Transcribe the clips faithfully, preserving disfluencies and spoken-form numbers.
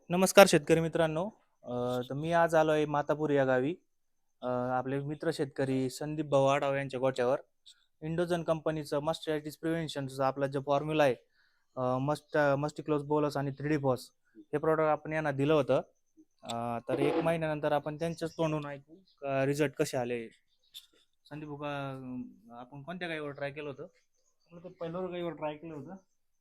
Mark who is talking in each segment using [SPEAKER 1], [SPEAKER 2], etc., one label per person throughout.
[SPEAKER 1] नमस्कार शेतकरी मित्रांनो. अ, तर मी आज आलो आहे मातापूर या गावी. अ, आपले मित्र शेतकरी संदीप भाऊ आढाव यांच्या गोठ्यावर इंडोजन कंपनीचं मस्टॅटिस प्रिव्हेन्शनचा आपला जो फॉर्म्युला आहे, अ, मस्ट मस्टिक्लोज बोलस आणि थ्री डी फॉस हे प्रॉडक्ट आपण यांना दिलं होतं. अ, तर एक महिन्यानंतर आपण त्यांच्याच तोंडून ऐकू रिझल्ट कसे आले. संदीप भाऊ, का आपण कोणत्या गाईवर ट्राय केलं होतं? आपलं ते पहिल्यावर गाईवर ट्राय केलं होतं.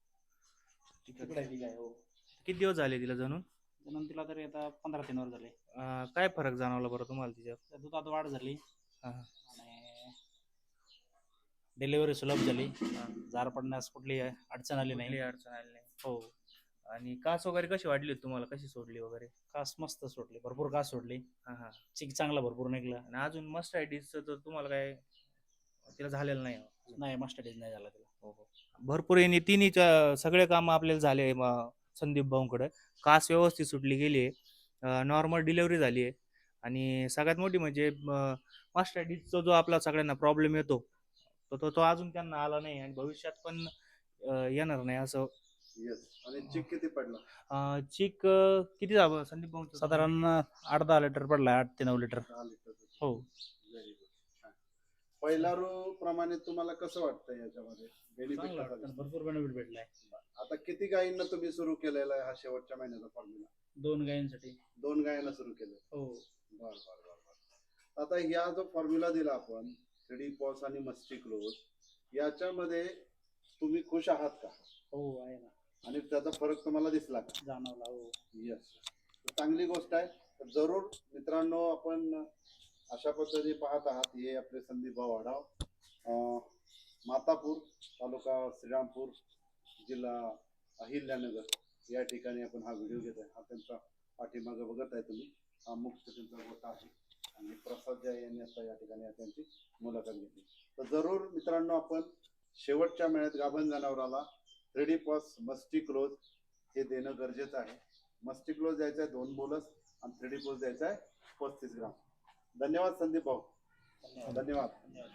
[SPEAKER 2] तिकडे आहे ती गाय हो.
[SPEAKER 1] किती दिवस झाले तिला जणून?
[SPEAKER 2] म्हणून तिला तरी आता पंधरा तीन वर झाले.
[SPEAKER 1] अ, काय फरक जाणवला बरं तुम्हाला तिच्यात?
[SPEAKER 2] त्या दुधात वाढ झाली
[SPEAKER 1] हा,
[SPEAKER 2] आणि डिलिव्हरी सुलभ झाली. जार पडण्यास कुठली अडचण आली
[SPEAKER 1] कुठली
[SPEAKER 2] नाही.
[SPEAKER 1] अडचण आली नाही.
[SPEAKER 2] हो.
[SPEAKER 1] आणि कास वगैरे कशी वाढली होती तुम्हाला, कशी सोडली वगैरे?
[SPEAKER 2] कास मस्त सोडली, भरपूर कास सोडली.
[SPEAKER 1] हा हा.
[SPEAKER 2] चिक चांगला भरपूर निघला.
[SPEAKER 1] आणि अजून मस्टॅटिसचं तर तुम्हाला काय तिला झालेलं नाही अजून?
[SPEAKER 2] नाही मस्टडीज नाही झाला तिला.
[SPEAKER 1] हो हो. भरपूर यांनी तिन्ही सगळे काम आपल्याला झाले म- संदीप भाऊंकडे. कास व्यवस्थित सुटली गेली आहे, नॉर्मल डिलिव्हरी झाली आहे. आणि सगळ्यात मोठी म्हणजे मस्टॅटिसचा जो आपला सगळ्यांना प्रॉब्लेम येतो, तो तो तो अजून त्यांना आला नाही आणि भविष्यात पण अ, येणार नाही असं.
[SPEAKER 3] येस. आणि चिक किती पडला?
[SPEAKER 1] अ, चीक अ, किती झालं संदीप भाऊंचं?
[SPEAKER 2] साधारण आठ दहा लिटर पडला, आठ ते नऊ लिटर.
[SPEAKER 3] दहा लिटर.
[SPEAKER 2] हो.
[SPEAKER 3] Very good. छान. पहिला रो प्रमाणे तुम्हाला कसं वाटतं याच्यामध्ये बेनिफिट
[SPEAKER 2] चांगला
[SPEAKER 3] कसा
[SPEAKER 2] वाटतं,
[SPEAKER 3] दिसतो?
[SPEAKER 2] भरपूर बेनिफिट भेटलाय.
[SPEAKER 3] आता किती गायींना तुम्ही सुरू केलेला आहे हा शेवटच्या महिन्याचा फॉर्म्युला?
[SPEAKER 2] दोन गायींसाठी.
[SPEAKER 3] दोन गायींना सुरू केलं.
[SPEAKER 2] हो.
[SPEAKER 3] बर बर बर बर. आता ह्या जो फॉर्म्युला दिला आपण थ्री पॉस आणि मस्टिक्लोज, याच्यामध्ये तुम्ही खुश आहात का?
[SPEAKER 2] हो आहे ना.
[SPEAKER 3] आणि त्याचा फरक तुम्हाला दिसला का?
[SPEAKER 2] जाणवला. हो.
[SPEAKER 3] येस. चांगली गोष्ट आहे. तर जरूर मित्रांनो, आपण अशा पद्धतीने पाहत आहात. हे आपले संदीप भाऊ आढाव, अं, मातापूर, तालुका श्रीरामपूर, जिल्हा अहिल्यानगर या ठिकाणी आपण हा व्हिडिओ घेत आहे. हा त्यांचा पाठीमागं बघत आहे तुम्ही, हा मुख्य त्यांचा गोठा आहे. आणि प्रसाद जय यांनी आता या ठिकाणी त्यांची मुलाखत घेतली. तर जरूर मित्रांनो, आपण शेवटच्या महिन्यात गाभण जनावराला थ्री पॉस मस्टिक्लोज हे देणं गरजेचं आहे. मस्टिक्लोज द्यायचा आहे दोन बोलस आणि थ्री डी पोज द्यायचा आहे पस्तीस ग्राम. धन्यवाद संदीप भाऊ.
[SPEAKER 2] धन्यवाद.
[SPEAKER 3] धन्यवाद.
[SPEAKER 2] धन्यवाद.